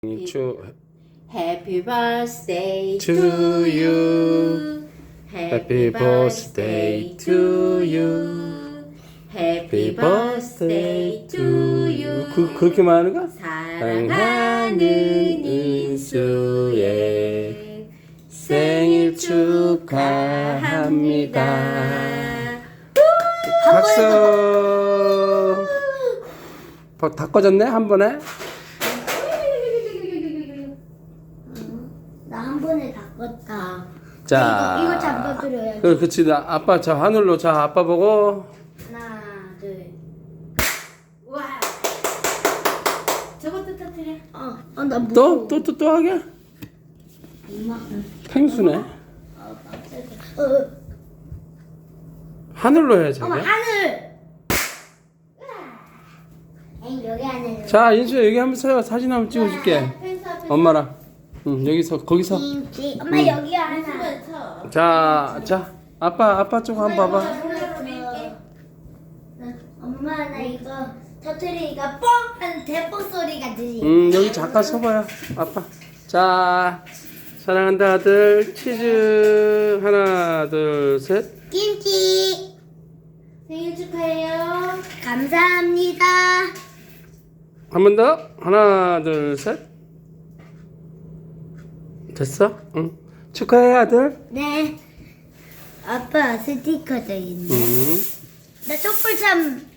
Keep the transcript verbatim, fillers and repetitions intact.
To Happy birthday To to you. you. Happy birthday to you. Happy birthday to you. 그 그렇게 말하는 거? 사랑하는 인수의 생일 축하합니다. 박수. 버- 다 꺼졌네 한 번에. 나 한 번에 다 껐다. 자, 이거, 이거 잡아드려야지. 그 그치 나 아빠 저 하늘로 자 아빠 보고. 하나, 둘. 와. 저것도 터뜨려. 어, 어, 나 무서워. 또 또 또 또 하게. 엄마. 펭수네. 어, 깜짝이야. 어, 어. 하늘로 해 어머, 자기. 하늘. 에이, 여기 하늘. 자 인수 여기 한번 서요. 사진 한번 찍어줄게. 펜스 앞에 엄마랑. 응 여기서 거기서. 김치. 엄마 여기 하나. 쳐. 자, 자, 아빠, 아빠 쪽 한번 봐봐. 어, 엄마 나 이거 터트리니까 뻥 하는 대포 소리가 들리. 음, 여기 잠깐 서봐요, 아빠. 자, 사랑한다 아들, 치즈 하나, 둘, 셋. 김치. 생일 축하해요. 감사합니다. 한 번 더, 하나, 둘, 셋. 됐어? 응. 축하해 아들. 네. 아빠 스티커도 있네. 음. 나 촛불 참